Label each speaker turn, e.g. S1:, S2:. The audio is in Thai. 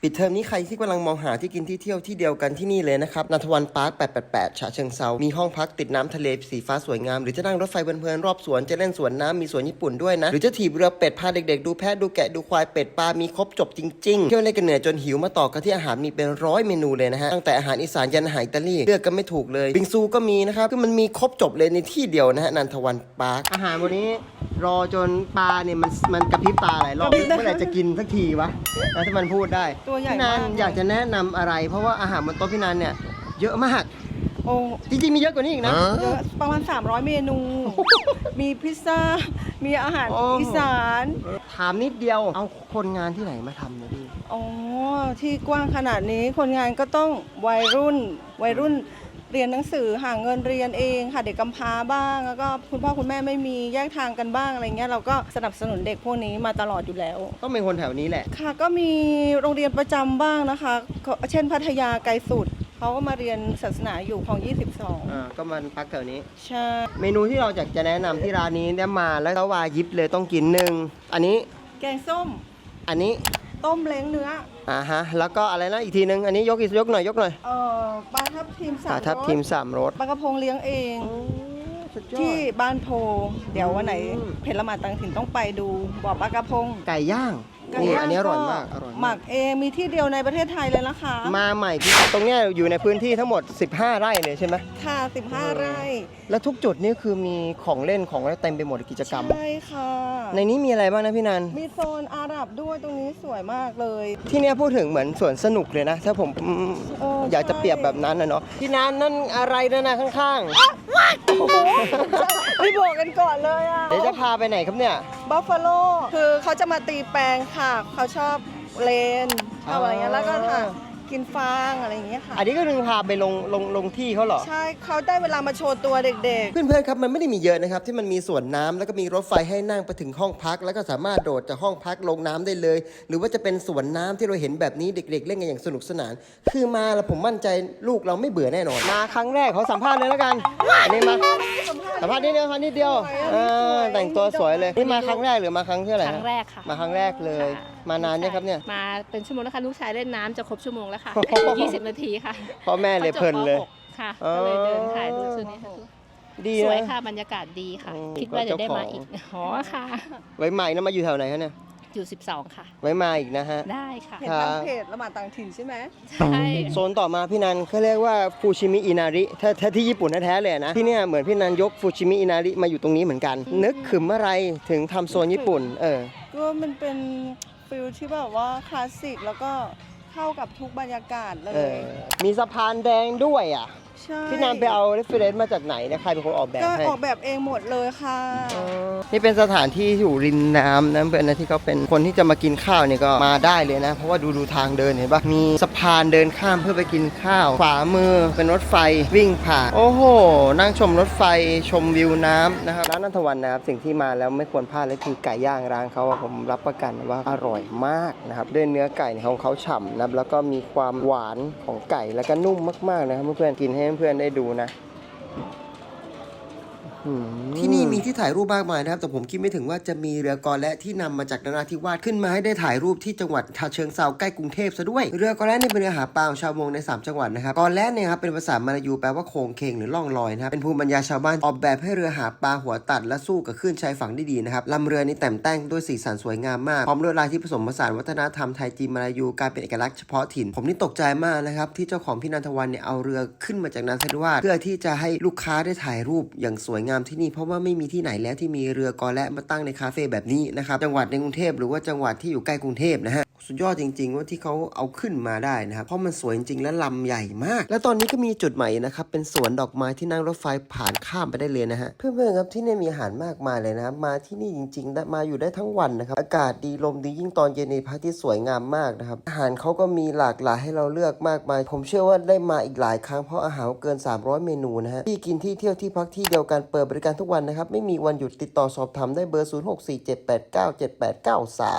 S1: ปิดเทอมนี้ใครที่กำลังมองหาที่กินที่เที่ยวที่เดียวกันที่นี่เลยนะครับนันทวันพาร์ค888ฉะเชิงเซามีห้องพักติดน้ำทะเลสีฟ้าสวยงามหรือจะนั่งรถไฟเพลินๆรอบสวนจะเล่นสวนน้ำมีสวนญี่ปุ่นด้วยนะหรือจะถีบเรือเป็ดพาเด็กๆดูแพะดูแกะดูควายเป็ดปลามีครบจบจริงๆเที่ยวเล่นกันเหนื่อยจนหิวมาต่อกันที่อาหารมีเป็น100เมนูเลยนะฮะตั้งแต่อาหารอีสานยันอาหารอิตาลีเลือกกันไม่ถูกเลยบิงซูก็มีนะครับคือมันมีครบจบเลยในที่เดียวนะฮะนันทวันพาร์คอาหารวันนี้รอจนปลาเนี่ยมันกระพริบตาหลายรอบเมื่อไหร่จะกินสักทีวะแล้วถ้ามันพูดได้
S2: ตัวใหญ่
S1: พี่นั
S2: มาน ก
S1: อยากจะแนะนำอะไรเพราะว่าอาหารบนโต๊ะพี่นันเนี่ยเยอะมาก
S2: โอ้
S1: จริงๆมีเยอะกว่านี้อีกนะ
S2: เยอะประมาณ300เมนู มีพิซซ่า มีอาหาร
S1: โอ้
S2: อีสาน
S1: ถามนิดเดียวเอาคนงานที่ไหนมาทำเนี่ยพี่
S2: อ๋อที่กว้างขนาดนี้คนงานก็ต้องวัยรุ่นเรียนหนังสือหาเงินเรียนเองค่ะเด็กกำพร้าบ้าง แล้วก็คุณพ่อคุณแม่ไม่มีแยกทางกันบ้างอะไรเงี้ยเราก็สนับสนุนเด็กพวกนี้มาตลอดอยู่แล้ว
S1: ต้องเป็นคนแถวนี้แหละ
S2: ค่ะก็มีโรงเรียนประจำบ้างนะคะเช่นพัทยาไกลสุดเขาก็มาเรียนศาสนาอยู่ของ22
S1: ก็มันพักแถวนี้
S2: ใช่
S1: เมนูที่เราอยากจะแนะนำที่ร้านนี้เนี่ยมาแล้ววายิบเลยต้องกินหนึ่งอันนี้
S2: แกงส้ม
S1: อันนี้
S2: ต้มเล้งเนื้อ
S1: ฮะแล้วก็อะไรนะอีกทีนึงอันนี้ยกหน่อย
S2: ปลาทับทิม
S1: ปลาร ทับทิม3 รส
S2: ปลากระพงเลี้ยงเอง
S1: สุดยอ
S2: ที่
S1: ด
S2: บ้านโพ เดี๋ยววันไหนเพชรละหมาดต่างถิ่นต้องไปดูบ่อปลากระพง
S1: ไก่ย่าง
S2: ไก่
S1: นี่
S2: ย่าง
S1: อันนี้อร่อย
S2: ก็
S1: มากอร่อย
S2: หมักเองมีที่เดียวในประเทศไทยเลยนะคะ
S1: มาใหม่พี่ตรงเนี้ยอยู่ในพื้นที่ทั้งหมด15 ไร่เลยใช่ไหม
S2: ค่ะ15 ไร่
S1: แล้วทุกจุดนี่คือมีของเล่นของอะไรเต็มไปหมดกิจกรรม
S2: ใช่ค่ะ
S1: ในนี้มีอะไรบ้างนะพี่นัน
S2: มีโซนอาหรับด้วยตรงนี้สวยมากเลย
S1: ที่เนี้ยพูดถึงเหมือนสวนสนุกเลยนะ ถ้าผม
S2: โอ้
S1: อยากจะ
S2: ใช่
S1: เปรียบแบบนั้นนะเนาะพี่นันนั่นอะไรนะข้าง
S2: ไม่บอกกันก่อนเลยอ่ะ
S1: ๆ เดี๋ยวจะพาไปไหนครับเนี่ย
S2: บัฟฟาโลคือเขาจะมาตีแปลงค่ะ เขาชอบเลนชอบอะไรเงี้ยแล้วก็ค่ะกินฟางอะไรอย่างเงี้ยค่ะ
S1: อันนี้ก็คือพาไปลงที่เขาเหรอ
S2: ใช่เขาได้เวลามาโชว์ตัวเด็ก
S1: เพื่อนๆครับมันไม่ได้มีเยอะนะครับที่มันมีสวนน้ำแล้วก็มีรถไฟให้นั่งไปถึงห้องพัก แล้วก็สามารถโดดจากห้องพักลงน้ำได้เลย หรือว่าจะเป็นสวนน้ำที่เราเห็นแบบนี้เด็กๆ เล่นกันอย่างสนุกสนาน คือมาแล้วผมมั่นใจลูกเราไม่เบื่อแน่นอนมาครั้งแรกเขาสัมภาษณ์เลยแล้วกันอันนี้มาสัมภาษณ์นิดเดียวครับนิดเดียวแต่งตัวสวยเลยนี่มาครั้งแรกหรือมาครั้งที่เท่าไหร่
S3: ครั้งแรกค่ะ
S1: มาครั้งแรกเลย
S3: ค่ะ
S1: มานานยังครับเนี่ย
S3: มาเป็นชั่วโมงแล้วค่ะลูกชายเล่นน้ำจะครบชั่วโมงแล้วค่ะ20 นาทีค่ะ
S1: พ่อแม่เลยเพลินเลย
S3: ขาจบป .6 ค่ะก็เลยเดินถ่ายรูปชุดนี้ค่ะ
S1: ดี
S3: สวย
S1: นะ
S3: ค่ะบรรยากาศดีค่ะ
S1: อืม
S3: คิดว่าจะได้มา
S1: เจ้าของ
S3: อีกอ๋อค่ะ
S1: ไว้ใหม่นะมาอยู่แถวไหนคะเนี่ย
S3: อยู่ 12 ค่ะ
S1: ไว้มาอีกนะฮะ
S3: ได้ค่ะ
S2: ๆ เห็น
S1: ครั
S2: ทา
S1: บ
S2: งเพจละหมาดต่างถิ่นใช่ไหม
S3: ใช่
S1: โซนต่อมาพี่นันเขาเรียกว่าฟูชิมิอินาริถ้าที่ญี่ปุ่นแท้ๆเลยนะที่เนี่ยเหมือนพี่นันยกฟูชิมิอินาริมาอยู่ตรงนี้เหมือนกัน นึกขึมอะไรถึงทำโซนญี่ปุ่น
S2: ก็มันเป็นฟิลที่แบบว่าคลาสสิกแล้วก็เข้ากับทุกบรรยากาศเล
S1: เอย มีสะพานแดงด้วยอ่ะ
S2: ใช่
S1: พี่นันไปเอาเรฟเฟรนซ์มาจากไหนนะใครเป็นคนออกแบบ
S2: ก็
S1: ให้
S2: ออกแบบเองหมดเลยค่ะ
S1: นี่เป็นสถานที่อยู่ริมน้ำนะเพื่อนนะที่เขาเป็นคนที่จะมากินข้าวเนี่ยก็มาได้เลยนะ เพราะว่าดูทางเดินเห็นปะมีสะพานเดินข้ามเพื่อไปกินข้าวขวามือเป็นรถไฟวิ่งผ่านโอ้โห นั่งชมรถไฟชมวิวน้ำนะครับร้านนันทวันนะครับสิ่งที่มาแล้วไม่ควรพลาดเลยคือไก่ย่างร้านเขาอะผมรับประกันว่าอร่อยมากนะครับด้วยเนื้อไก่ของเขาฉ่ำนะแล้วก็มีความหวานของไก่แล้วก็นุ่มมากๆนะครับเพื่อนๆกินให้เพื่อนๆได้ดูนะ ที่นี่มีที่ถ่ายรูปมากมายนะครับแต่ผมคิดไม่ถึงว่าจะมีเรือกอและที่นำมาจากนราธิวาสขึ้นมาให้ได้ถ่ายรูปที่จังหวัดฉะเชิงเทราใกล้กรุงเทพซะด้วยเรือกอและนี่เป็นเรือหาปลาของชาวมงใน3จังหวัดนะครับกอและเนี่ยครับเป็นภาษามลายูแปลว่าโคงเคงหรือล่องลอยนะครับเป็นภูมิปัญญาชาวบ้านออกแบบให้เรือหาปลาหัวตัดและสู้กับคลื่นชายฝั่งได้ดีนะครับลำเรือนี้แต่งแต่งด้วยสีสันสวยงามมากพร้อมลวดลายที่ผสมผสานวัฒนธรรมไทยจีนมลายูกลายเป็นเอกลักษณ์เฉพาะถิ่นผมนี่ตกใจมากนะครับที่เจ้าของพี่นันทวันเนี่ยเอาเรือขึ้นมาจากนราธิวาสเพื่อที่จะให้ลูกค้าได้ถ่ายรูปอย่างสวยงามที่นี่เพราะว่าไม่มีที่ไหนแล้วที่มีเรือกอและมาตั้งในคาเฟ่แบบนี้นะครับจังหวัดในกรุงเทพหรือว่าจังหวัดที่อยู่ใกล้กรุงเทพนะฮะสุดยอดจริงๆว่าที่เขาเอาขึ้นมาได้นะครับเพราะมันสวยจริงๆและลำใหญ่มากและตอนนี้ก็มีจุดใหม่นะครับเป็นสวนดอกไม้ที่นั่งรถไฟผ่านข้ามไปได้เลยนะฮะเพื่อนๆครับที่นี่มีอาหารมากมายเลยนะครับมาที่นี่จริงๆได้มาอยู่ได้ทั้งวันนะครับอากาศดีลมดียิ่งตอนเย็นในพระอาทิตย์สวยงามมากนะครับอาหารเขาก็มีหลากหลายให้เราเลือกมากมายผมเชื่อว่าได้มาอีกหลายครั้งเพราะอาหารเกิน300เมนูนะฮะที่กินที่เที่ยวที่พักที่เดียวกันเปิดบริการทุกวันนะครับไม่มีวันหยุดติดต่อสอบถามได้เบอร์0647897893